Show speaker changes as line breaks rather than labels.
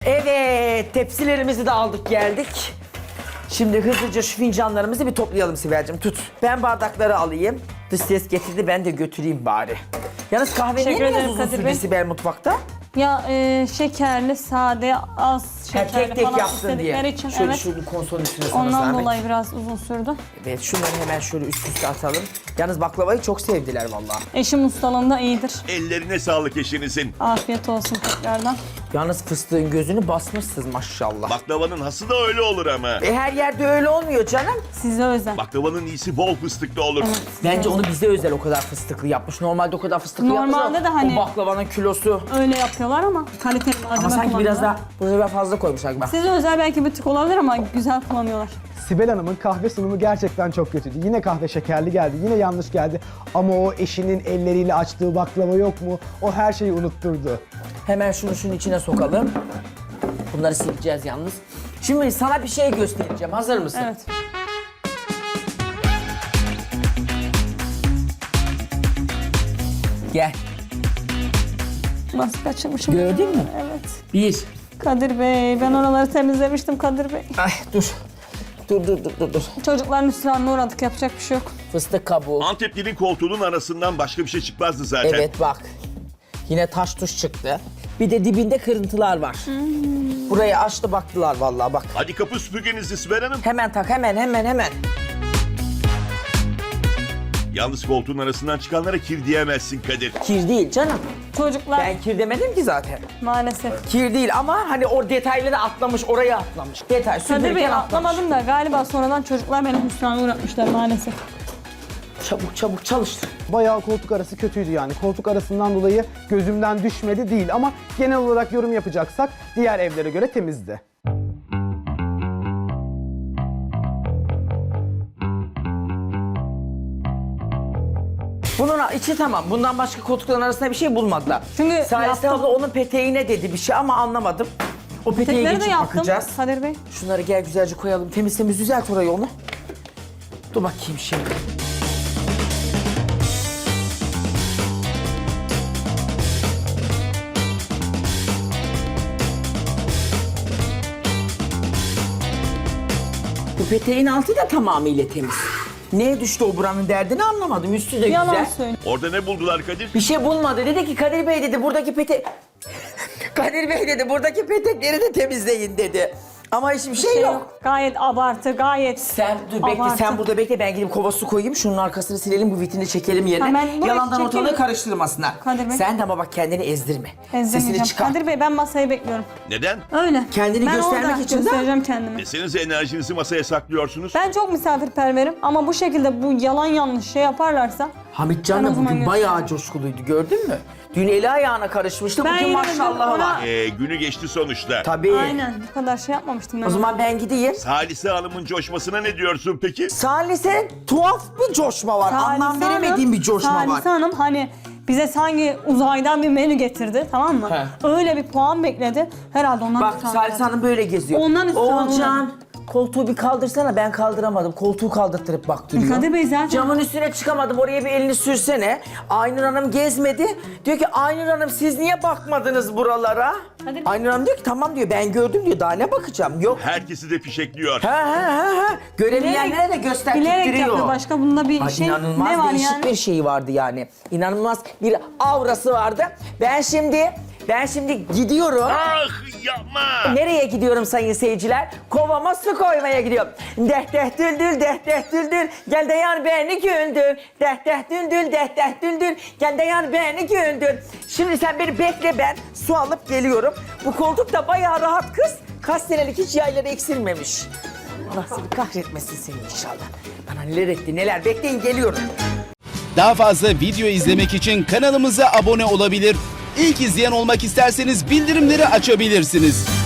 Evet, tepsilerimizi de aldık geldik. Şimdi hızlıca şu fincanlarımızı bir toplayalım Sibel'cim, tut. Ben bardakları alayım. Dış ses getirdi, ben de götüreyim bari. Yalnız kahve niye
Teşekkür
biraz
ederim
uzun
Kadir
sürdü
Bey.
Sibel mutfakta?
Ya şekerli, sade, az şekerli
Tek tek
falan
yapsın
istedikleri
diye.
için
Şöyle
evet.
şunu konsolun üstüne sana
Ondan
zahmet.
dolayı biraz uzun sürdü.
Evet, şunları hemen şöyle üst üste atalım. Yalnız baklavayı çok sevdiler vallahi.
Eşim ustalığında iyidir.
Ellerine sağlık eşinizin.
Afiyet olsun tekrardan.
Yalnız fıstığın gözünü basmışsınız maşallah.
Baklavanın hası da öyle olur ama.
Her yerde öyle olmuyor canım.
Size özel.
Baklavanın iyisi bol fıstıklı olur.
Evet,
Bence onu bize özel o kadar fıstıklı yapmış. Normalde o kadar fıstıklı
Normalde
yapmış.
de hani-
O baklavanın kilosu.
Öyle yapıyorlar ama kaliteli malzeme
Ama sanki
kullanıyorlar.
biraz daha bu sefer fazla koymuşlar gibi.
Size özel belki bir tık olabilir ama güzel kullanıyorlar.
Sibel Hanım'ın kahve sunumu gerçekten çok kötüydü. Yine kahve şekerli geldi, yine yanlış geldi. Ama o eşinin elleriyle açtığı baklava yok mu? O her şeyi unutturdu.
Hemen şunun içine sokalım. Bunları sileceğiz yalnız. Şimdi sana bir şey göstereceğim. Hazır mısın?
Evet.
Gel.
Nasıl kaçırmışım?
Gördün mü?
Evet.
Bir.
Kadir Bey, ben oraları temizlemiştim Kadir Bey.
Ay dur. Dur.
Çocukların üstüne uğradık, yapacak bir şey yok.
Fıstık kabuğu.
Anteplinin koltuğunun arasından başka bir şey çıkmazdı zaten.
Evet bak. Yine taş tuş çıktı. Bir de dibinde kırıntılar var. Burayı açtı baktılar vallahi bak.
Hadi kapı süpürgenizi Sibel Hanım.
Hemen tak hemen.
Yalnız koltuğun arasından çıkanlara kir diyemezsin Kadir.
Kir değil canım.
Çocuklar
Ben kir demedim ki zaten.
maalesef.
Kir değil ama hani o detayları atlamış, oraya atlamış. Detay
Kadir Bey
süpürgen atlamış.
atlamadım da galiba sonradan çocuklar beni hüsrana uğratmışlar maalesef.
Çabuk çalıştır.
Bayağı koltuk arası kötüydü yani. Koltuk arasından dolayı gözümden düşmedi değil ama genel olarak yorum yapacaksak diğer evlere göre temizdi.
Bunun içi tamam. Bundan başka koltukların arasında bir şey bulmadılar.
Çünkü
Salise
yaptım.
abla onun peteğine dedi bir şey ama anlamadım. O peteğe
Tekleri de
geçip
yaptım
bakacağız.
Kadir Bey.
Şunları gel güzelce koyalım. Temiz düzelt orayı onu. Dur bakayım şimdi. Bu peteğin altı da tamamıyla temiz. Neye düştü o buranın derdini anlamadım. Üstü de
Yalan
güzel.
söyle.
Orada ne buldular Kadir?
Bir şey bulmadı. Dedi ki Kadir Bey dedi buradaki Kadir Bey dedi buradaki petekleri de temizleyin dedi. Ama hiçbir şey yok.
Gayet abartı, gayet
Sen dur bekle,
abartı.
sen burada bekle, ben gidip kova su koyayım, şunun arkasını silelim, bu vitrini çekelim yerine.
Ha, ben burayı
Yalandan ortalığı
çekeyim.
karıştırmasınlar.
Kadir Bey.
Sen de ama bak kendini ezdirme. Sesini
Ezdirmeyeceğim.
çıkar.
Kadir Bey ben masayı bekliyorum.
Neden?
Öyle.
Kendini
ben
göstermek
orada
için de-
göstereceğim kendimi.
Desenize enerjinizi masaya saklıyorsunuz.
Ben çok misafirperverim ama bu şekilde bu yalan yanlış şey yaparlarsa
Hamitcan
Ben o
da
zaman
bugün
göstereyim.
bayağı coşkuluydu, gördün mü? Dün eli ayağına karışmıştı,
Ben
bugün
yine de
maşallah
ona-
var.
Günü geçti sonuçta.
Tabii.
aynen bu kadar şey yapmamıştım ben.
O zaman ben gideyim.
Salise Hanım'ın coşmasına ne diyorsun peki?
Salise tuhaf bir coşma var, anlam
Salise
veremediğim bir coşma var.
Salise Hanım hani bize sanki uzaydan bir menü getirdi tamam mı?
He.
Öyle bir puan bekledi. Herhalde ondan
Bak
üstüne
Salise Hanım böyle geziyor.
Ondan üstüne
Oğulcan, koltuğu bir kaldırsana, ben kaldıramadım. Koltuğu kaldırtırıp bak duruyor.
Kadir Bey zaten-
Camın üstüne çıkamadım, oraya bir elini sürsene. Aynur Hanım gezmedi. Diyor ki Aynur Hanım siz niye bakmadınız buralara?
Kadir-
Aynur Hanım diyor ki tamam diyor, ben gördüm diyor, daha ne bakacağım? Yok.
Herkesi de fişekliyor.
Ha. Göremeyenlere de gösterip
Bilerek
duruyor.
yapıyor. Başka bunda bir
Ay,
şey
inanılmaz
ne var
değişik
yani?
bir şey vardı yani. İnanılmaz bir aurası vardı. Ben şimdi gidiyorum.
Ah yapma!
Nereye gidiyorum sayın seyirciler? Kovama su koymaya gidiyorum. Deh deh düldül, deh deh düldül. Gel de yar beni güldür. Deh deh düldül, deh deh düldül. Gel de yar beni güldür. Şimdi sen beni bekle, ben su alıp geliyorum. Bu koltuk da bayağı rahat kız. Kaç senelik hiç yayları eksilmemiş. Allah seni kahretmesin seni inşallah. Bana neler etti neler. Bekleyin geliyorum.
Daha fazla video izlemek için kanalımıza abone olabilir. İlk izleyen olmak isterseniz bildirimleri açabilirsiniz.